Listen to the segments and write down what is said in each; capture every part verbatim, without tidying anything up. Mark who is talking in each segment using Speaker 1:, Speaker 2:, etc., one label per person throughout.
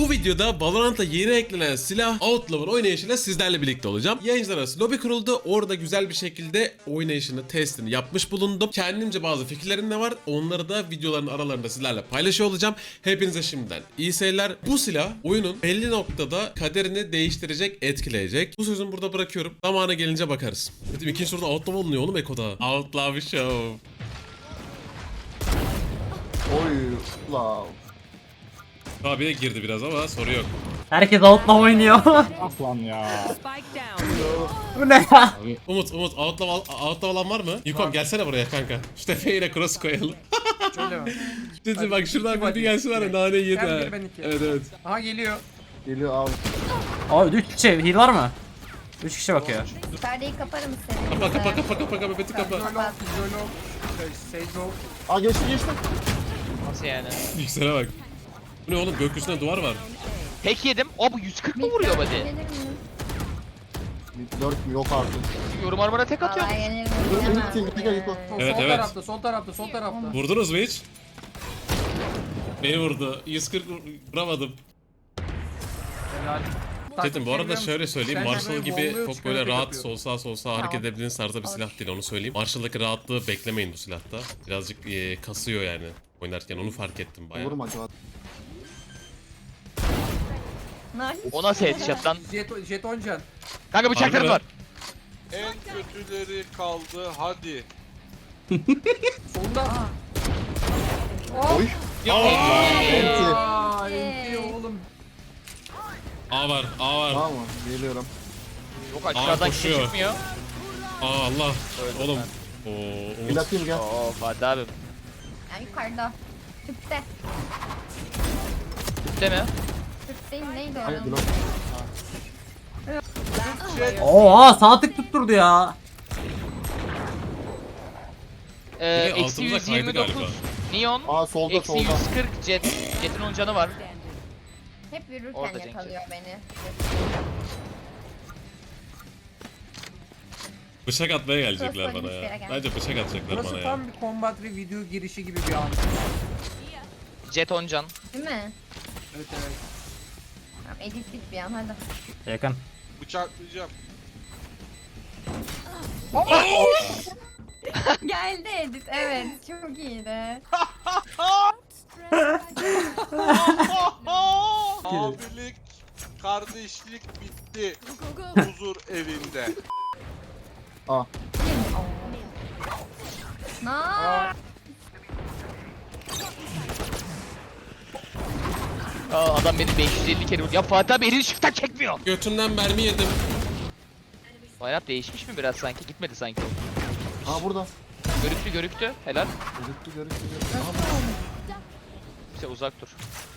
Speaker 1: Bu videoda Valorant'a yeni eklenen silah Outlawer oynayışıyla sizlerle birlikte olacağım. Yayıncılar arası lobi kuruldu. Orada güzel bir şekilde oynayışını, testini yapmış bulundum. Kendimce bazı fikirlerim de var. Onları da videoların aralarında sizlerle paylaşıyor olacağım. Hepinize şimdiden iyi seyirler. Bu silah oyunun belli noktada kaderini değiştirecek, etkileyecek. Bu sözümü burada bırakıyorum. Zamanı gelince bakarız. Dedim ikinci soruda Outlaw olunuyor oğlum Eko'da. Outlaw Show.
Speaker 2: Oy la.
Speaker 1: Abi de girdi biraz ama soru yok.
Speaker 3: Herkes outlaw oynuyor.
Speaker 2: Aslan ya.
Speaker 4: Spike down.
Speaker 3: Bu ne ya?
Speaker 1: Umut, Umut, Outlaw, outlaw olan var mı? Yukom gelsene buraya kanka. Şu tepeye yine cross koyalım.
Speaker 5: Şöyle mi?
Speaker 1: Dedi bak şuradan
Speaker 5: İki
Speaker 1: bir gelsin var ya nane yedi
Speaker 5: Sen
Speaker 1: ha.
Speaker 5: bir, ben iki.
Speaker 1: Evet evet.
Speaker 5: Aha geliyor.
Speaker 2: Geliyor abi.
Speaker 3: Abi üç kişi heal var mı? üç kişi bakıyor.
Speaker 6: Perdeyi kaparım seni.
Speaker 1: Kapa kapa kapa kapa kapa Beti kapa.
Speaker 5: Jolo, Jolo, Seizo.
Speaker 2: Aa geçti geçti.
Speaker 7: Nasıl yani?
Speaker 1: Yüksele bak. Bu ne oğlum gökyüzünde duvar var.
Speaker 7: Tek yedim. O bu yüz kırk mı vuruyor body?
Speaker 6: Gelir mi?
Speaker 2: dört mü yok artık.
Speaker 7: Yorum armora tek atıyor.
Speaker 6: Vallahi gelir mi?
Speaker 2: Dur,
Speaker 6: Bilemem.
Speaker 2: bitti, bitti, gel, Yuko.
Speaker 5: Sol,
Speaker 1: Evet,
Speaker 5: sol
Speaker 1: evet.
Speaker 5: tarafta, sol tarafta, sol tarafta.
Speaker 1: Vurdunuz mu hiç? Beni vurdu. yüz kırk vuramadım.
Speaker 5: Helal.
Speaker 1: Dedim bu arada
Speaker 5: Taktik
Speaker 1: şöyle söyleyeyim.
Speaker 5: Sen de
Speaker 1: Marshall
Speaker 5: böyle
Speaker 1: gibi
Speaker 5: bombalıyor,
Speaker 1: çok
Speaker 5: çıkarıyor,
Speaker 1: böyle
Speaker 5: tek
Speaker 1: rahat
Speaker 5: atıyor.
Speaker 1: sol sağ sol sağ hareket edebildiğiniz tarzda bir silah değil onu söyleyeyim. Marshall'daki rahatlığı beklemeyin bu silahta. Birazcık e, kasıyor yani oynarken onu fark ettim bayağı.
Speaker 2: Vurma acaba.
Speaker 6: Nice.
Speaker 7: O nasıl headshot lan?
Speaker 5: Jet, jeton can.
Speaker 7: Kanka bıçaklarım
Speaker 1: Harbi
Speaker 7: var.
Speaker 8: En kötüleri kaldı hadi.
Speaker 5: Solunda.
Speaker 2: Oy. Enti.
Speaker 5: Aa, enti oğlum.
Speaker 1: A var A var.
Speaker 2: Tamam mı? Geliyorum.
Speaker 7: Yok aşağıdan
Speaker 1: Aa,
Speaker 7: kişi
Speaker 1: koşuyor.
Speaker 7: çıkmıyor.
Speaker 1: Aa Allah.
Speaker 7: Öldüm
Speaker 1: Oğlum.
Speaker 7: ben.
Speaker 1: Oo,
Speaker 2: Bir
Speaker 1: Umut.
Speaker 2: atayım gel.
Speaker 7: Oo Fatih abi.
Speaker 6: Yani yukarıda. Tüpte.
Speaker 7: Değil mi?
Speaker 6: Tüpteyim neydi
Speaker 2: Hayır
Speaker 6: o?
Speaker 2: blok.
Speaker 3: Oha sağ tık tutturdu ya.
Speaker 7: Ee,
Speaker 1: Biri
Speaker 7: eksi
Speaker 1: altımıza
Speaker 7: yüz
Speaker 1: kaydı
Speaker 7: yirmi dokuz.
Speaker 1: galiba.
Speaker 7: Neon.
Speaker 2: Aa solda
Speaker 7: Eksi
Speaker 2: solda.
Speaker 7: yüz kırk jet. Jet'in on canı var.
Speaker 6: Hep yürürken
Speaker 7: Orada Cenk.
Speaker 6: yakalıyor beni.
Speaker 1: Bıçak atmaya gelecekler
Speaker 6: Crossbow
Speaker 1: bana
Speaker 6: hiçbir yere
Speaker 1: ya.
Speaker 6: gelmedi.
Speaker 1: Bence bıçak atacaklar bana
Speaker 5: Burası
Speaker 1: ya.
Speaker 5: tam bir combat video girişi gibi bir an.
Speaker 7: Jet on can.
Speaker 6: Değil mi?
Speaker 5: Evet evet.
Speaker 6: Tamam edit bit bir an hadi.
Speaker 3: Yakın.
Speaker 8: Bıçaklayacağım.
Speaker 6: Geldi edit evet çok iyiydi.
Speaker 8: Abilik, kardeşlik bitti. Huzur evinde.
Speaker 2: Aa.
Speaker 6: Nice.
Speaker 7: Aa, adam beni beş yüz elli kere vurdu. Ya Fatih abi elini shift'ten çekmiyor.
Speaker 1: Götümden mermi yedim.
Speaker 7: Bayrak değişmiş mi biraz sanki? Gitmedi sanki o.
Speaker 2: Aa burada.
Speaker 7: Görüktü görüktü. Helal.
Speaker 2: Gözüktü görüktü görüktü.
Speaker 7: İşte uzak dur.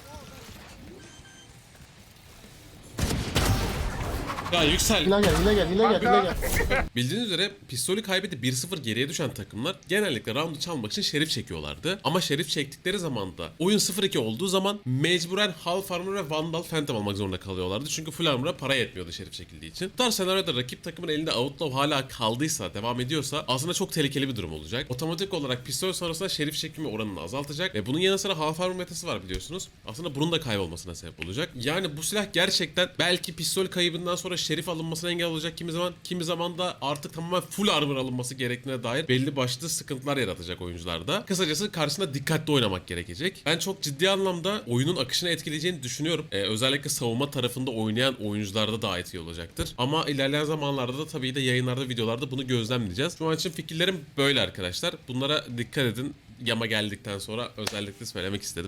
Speaker 1: Ya yüksel.
Speaker 2: Hile gel hile gel hile gel hile gel.
Speaker 1: Bildiğiniz üzere pistolü kaybedip bir sıfır geriye düşen takımlar genellikle roundu çalmak için şerif çekiyorlardı. Ama şerif çektikleri zaman da oyun sıfır iki olduğu zaman mecburen Half Armor ve Vandal Phantom almak zorunda kalıyorlardı. Çünkü Full Armor'a para yetmiyordu şerif çekildiği için. Bu tarz senaryoda rakip takımın elinde Outlaw hala kaldıysa, devam ediyorsa aslında çok tehlikeli bir durum olacak. Otomatik olarak pistol sonrasında şerif çekimi oranını azaltacak ve bunun yanı sıra Half Armor metası var biliyorsunuz. Aslında bunun da kaybolmasına sebep olacak. Yani bu silah gerçekten belki pistol kaybından sonra şerif alınmasına engel olacak kimi zaman, kimi zaman da artık tamamen full armor alınması gerektiğine dair belli başlı sıkıntılar yaratacak oyuncularda. Kısacası karşısında dikkatli oynamak gerekecek. Ben çok ciddi anlamda oyunun akışını etkileyeceğini düşünüyorum. Ee, özellikle savunma tarafında oynayan oyuncularda daha etkili olacaktır. Ama ilerleyen zamanlarda da tabii de yayınlarda, videolarda bunu gözlemleyeceğiz. Şu an için fikirlerim böyle arkadaşlar. Bunlara dikkat edin. Yama geldikten sonra özellikle söylemek istedim.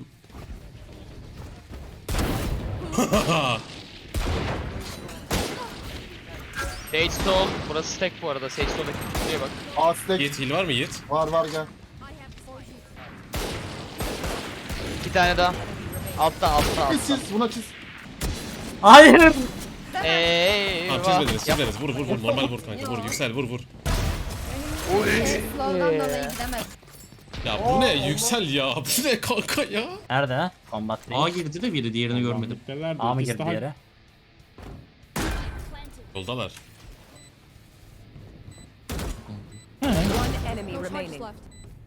Speaker 7: Sage Stall. Burası stack bu arada. Sage Stall'daki kutuya bak.
Speaker 2: Aa stack.
Speaker 1: Yiğit heal var mı Yiğit?
Speaker 2: Var var gel.
Speaker 7: İki tane daha. Altta altta
Speaker 2: Çiz
Speaker 7: altta.
Speaker 2: çiz buna çiz.
Speaker 3: Hayır.
Speaker 7: Eee.
Speaker 1: Tamam çizmediniz çizmediniz. Vur vur vur. Normal vur kanka. Vur yüksel vur vur.
Speaker 6: Slow'dan dolayı gidemez.
Speaker 1: Ya bu ne yüksel ya. Bu ne kanka ya.
Speaker 3: Nerede? Combat
Speaker 9: A girdi de biri diğerini görmedim.
Speaker 3: A mı girdi yere?
Speaker 1: Yoldalar.
Speaker 4: One enemy remaining.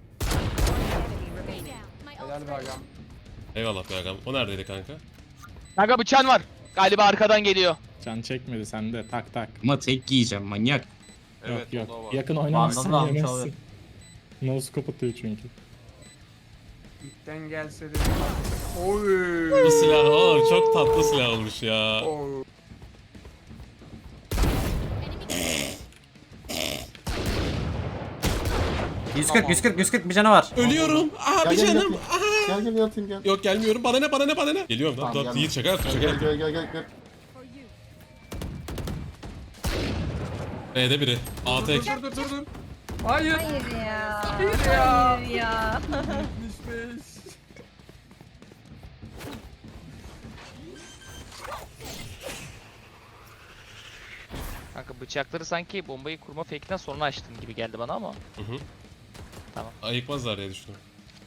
Speaker 5: Helal be agam.
Speaker 1: Eyvallah be agam. O neredeydi kanka?
Speaker 7: Kanka bıçağın var. Galiba arkadan geliyor.
Speaker 10: Can çekmedi sende tak tak.
Speaker 9: Ama tek yiyeceğim manyak.
Speaker 8: Evet
Speaker 10: yok
Speaker 8: o da
Speaker 10: yok.
Speaker 8: var.
Speaker 10: Yakın oynamazsın
Speaker 3: Vandal'ı almış
Speaker 10: yemezsin.
Speaker 3: olabilir.
Speaker 10: No scope atıyor çünkü.
Speaker 5: İlkten gelse de. Oy.
Speaker 1: Bu silah oğlum çok tatlı silah olmuş ya.
Speaker 5: Oy.
Speaker 3: yüz kırk yüz kırk yüz kırk bir canı var.
Speaker 1: Ölüyorum. Abi
Speaker 2: Gel gel
Speaker 1: canım.
Speaker 2: yatayım. Gel gel yatayım gel.
Speaker 1: Yok gelmiyorum. Bana ne bana ne bana ne. Geliyorum lan.
Speaker 2: Tamam,
Speaker 1: Dur
Speaker 2: gelme.
Speaker 1: Yiğit şaka yaptım şaka
Speaker 2: Gel
Speaker 1: yaptım.
Speaker 2: gel gel gel. gel.
Speaker 1: B'de biri. A tek.
Speaker 5: Dur dur dur dur. Hayır.
Speaker 6: Hayır ya.
Speaker 5: Hayır ya.
Speaker 6: Hayır ya.
Speaker 5: Gitmiş.
Speaker 7: Kanka bıçakları sanki bombayı kurma fake'den sonra açtın gibi geldi bana ama.
Speaker 1: Ayıkmazlar diye düşündüm.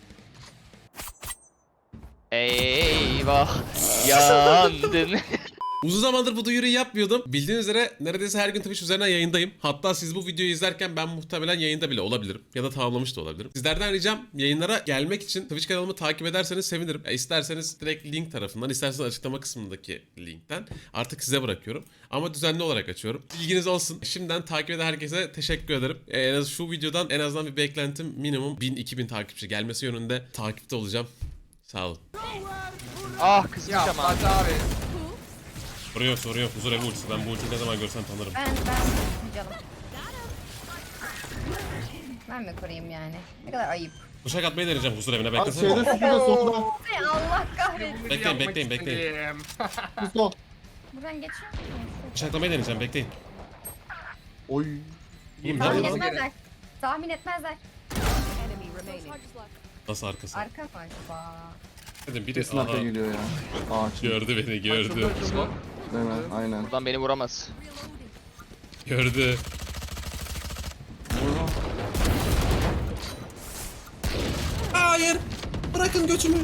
Speaker 7: Eyvah yandın.
Speaker 1: Uzun zamandır bu duyuruyu yapmıyordum. Bildiğiniz üzere neredeyse her gün Twitch üzerinden yayındayım. Hatta siz bu videoyu izlerken ben muhtemelen yayında bile olabilirim. Ya da tamamlamış da olabilirim. Sizlerden ricam yayınlara gelmek için Twitch kanalımı takip ederseniz sevinirim. Ya isterseniz direkt link tarafından, isterseniz açıklama kısmındaki linkten. Artık size bırakıyorum. Ama düzenli olarak açıyorum. Bilginiz olsun. Şimdiden takip eden herkese teşekkür ederim. Ee, en az şu videodan en azından bir beklentim minimum bin iki bin takipçi gelmesi yönünde takipte olacağım. Sağ olun.
Speaker 7: Ah kızmış
Speaker 5: Ya
Speaker 7: ama.
Speaker 5: Fatih abi.
Speaker 1: Soru yok soru yok. Huzur evi ultisi. Ben bu ultiyi ne zaman görsem tanırım.
Speaker 6: Ben ben canım. Ben mi koruyayım yani? Ne kadar ayıp.
Speaker 1: Kuşak atmayı deneyeceğim huzur evine
Speaker 2: Abi
Speaker 1: beklesene.
Speaker 2: şeyde sütüde solda.
Speaker 6: Ay Allah kahretsin.
Speaker 1: Bekleyin
Speaker 5: Yapmak
Speaker 1: bekleyin bekleyin.
Speaker 5: istedim.
Speaker 2: Şu sol.
Speaker 6: Buradan geçiyor mu?
Speaker 1: Bıçaklamayı deneyeceğim bekleyin.
Speaker 2: Oy.
Speaker 1: İyiyim
Speaker 6: Tahmin
Speaker 1: nerede?
Speaker 6: etmezler. Tahmin etmezler.
Speaker 4: Enemy remaining.
Speaker 1: Nasıl arkası?
Speaker 6: Arka mı acaba?
Speaker 1: Dedim biri
Speaker 2: Kesin arka
Speaker 1: aha,
Speaker 2: geliyor ya. Ağaç.
Speaker 1: gördü beni gördü.
Speaker 5: Açıldı, açıldı.
Speaker 2: Hemen aynen.
Speaker 7: Buradan beni vuramaz.
Speaker 1: Gördü. Hayır. Bırakın götümü.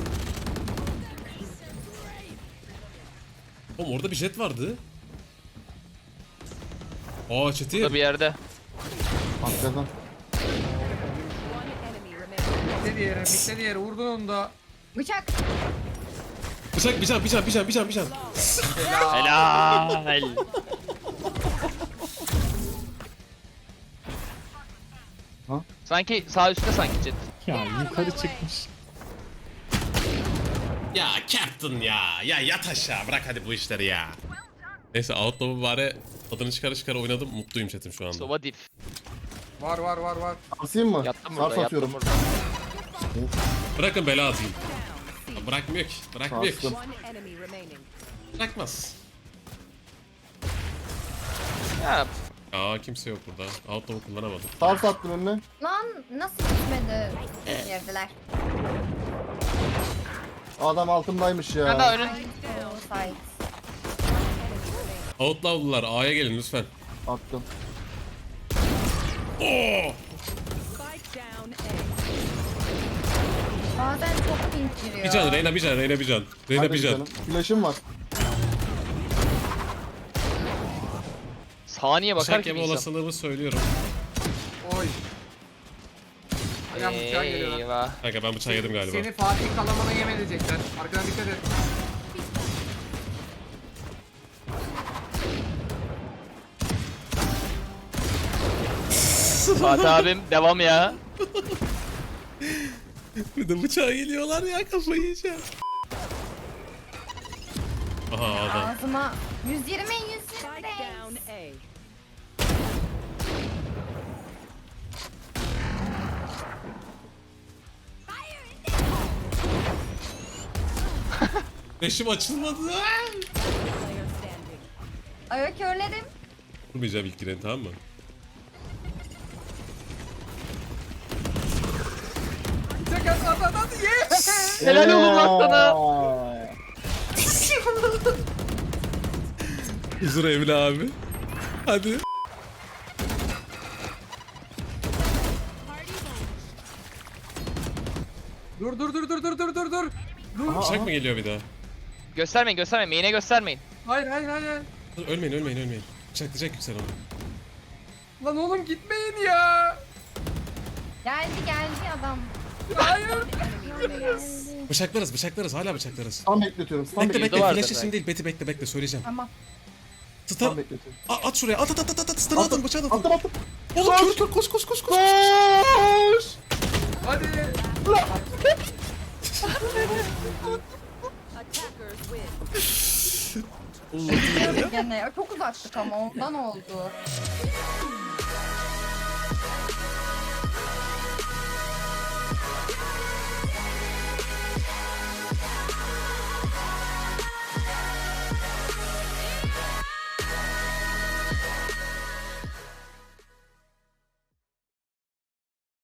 Speaker 1: Oğlum orada bir jet vardı. Aa çeti.
Speaker 7: Burada bir yerde.
Speaker 2: Arkadan.
Speaker 4: One enemy remaining.
Speaker 5: Bitti diğeri, bitti diğeri. Vurdun onu da.
Speaker 6: Bıçak.
Speaker 1: Bıçak bir can bir can bir can bir can bir can.
Speaker 7: Helal. Sanki sağ üstte sanki Jet.
Speaker 10: Ya yukarı çıkmış.
Speaker 1: Ya Captain ya. Ya yat aşağı bırak hadi bu işleri ya. Neyse Outlaw'u bari tadını çıkara çıkara oynadım. Mutluyum chatim şu anda.
Speaker 7: Sova dip.
Speaker 5: Var var var var.
Speaker 2: Asayım mı?
Speaker 7: Yattım
Speaker 2: Sars
Speaker 7: burada
Speaker 2: atıyorum.
Speaker 7: yattım burada.
Speaker 1: Bırakın bela atayım. Ya bırakmıyor ki. Bırakmıyor ki.
Speaker 2: Sarstım.
Speaker 4: One enemy remaining.
Speaker 1: Bırakmaz.
Speaker 7: Ya
Speaker 1: Aa kimse yok burada. Outlaw'u kullanamadım.
Speaker 2: Sars attım önüne.
Speaker 6: Lan nasıl gitmedi? Girdiler.
Speaker 2: Adam altımdaymış ya.
Speaker 7: ben daha önün.
Speaker 6: Oh, side.
Speaker 1: Outlaw'lular A'ya gelin lütfen.
Speaker 2: Attım.
Speaker 1: Oo!
Speaker 4: Spike down A.
Speaker 6: Bazen çok pink giriyor.
Speaker 1: Bir can Reyna bir can Reyna bir can. Reyna
Speaker 2: Hadi
Speaker 1: bir can.
Speaker 2: canım. Flash'ım var.
Speaker 7: Saniye bakar
Speaker 1: Bıçak
Speaker 7: ki
Speaker 1: yeme
Speaker 7: bir insan.
Speaker 1: olasılığımı söylüyorum.
Speaker 5: Oy. Ayağım bıçağı geliyor lan.
Speaker 7: Eyvah.
Speaker 1: Kanka ben bıçağı yedim galiba.
Speaker 5: Seni Fatih kalamana yem edecekler. Arkadan dikkat et.
Speaker 7: Fatih abim devam ya.
Speaker 1: Bir de bıçağa geliyorlar ya kafayı yiyeceğim. Aha adam.
Speaker 6: Ağzıma yüz yirmi yüz
Speaker 4: Spike
Speaker 6: yirmi.
Speaker 4: down A.
Speaker 1: Beşim açılmadı.
Speaker 4: Player standing.
Speaker 6: Ay körledim.
Speaker 1: Vurmayacağım ilk gireni tamam mı?
Speaker 5: Çek at at at at. Yes.
Speaker 7: Helal olsun lan sana.
Speaker 2: Eee.
Speaker 1: Huzur evli abi. Hadi.
Speaker 5: Dur dur dur dur dur dur dur dur. Dur.
Speaker 1: Bıçak mı geliyor bir daha?
Speaker 7: Göstermeyin göstermeyin. Main'e göstermeyin.
Speaker 5: Hayır hayır hayır. hayır.
Speaker 1: Dur, ölmeyin ölmeyin ölmeyin. Bıçaklayacak yüksel onu.
Speaker 5: Lan oğlum gitmeyin ya.
Speaker 6: Geldi geldi adam.
Speaker 5: Hayır.
Speaker 4: Enemy remaining.
Speaker 6: Geldi.
Speaker 1: Bıçaklarız bıçaklarız hala bıçaklarız.
Speaker 2: Stun bekletiyorum. Stun
Speaker 1: Bekle
Speaker 2: bekletiyorum.
Speaker 1: bekle
Speaker 7: vardır
Speaker 1: flash için
Speaker 7: belki.
Speaker 1: değil Beti bekle bekle söyleyeceğim.
Speaker 6: Tamam.
Speaker 1: Stun
Speaker 2: Stun bekletiyorum.
Speaker 1: A- at şuraya at at at at at stun atın bıçağı atın.
Speaker 2: Attım attım.
Speaker 1: Oğlum kör kör koş koş koş koş.
Speaker 2: Koş.
Speaker 5: Hadi.
Speaker 4: Attackers win.
Speaker 6: Gene çok uzaktık ama ondan oldu.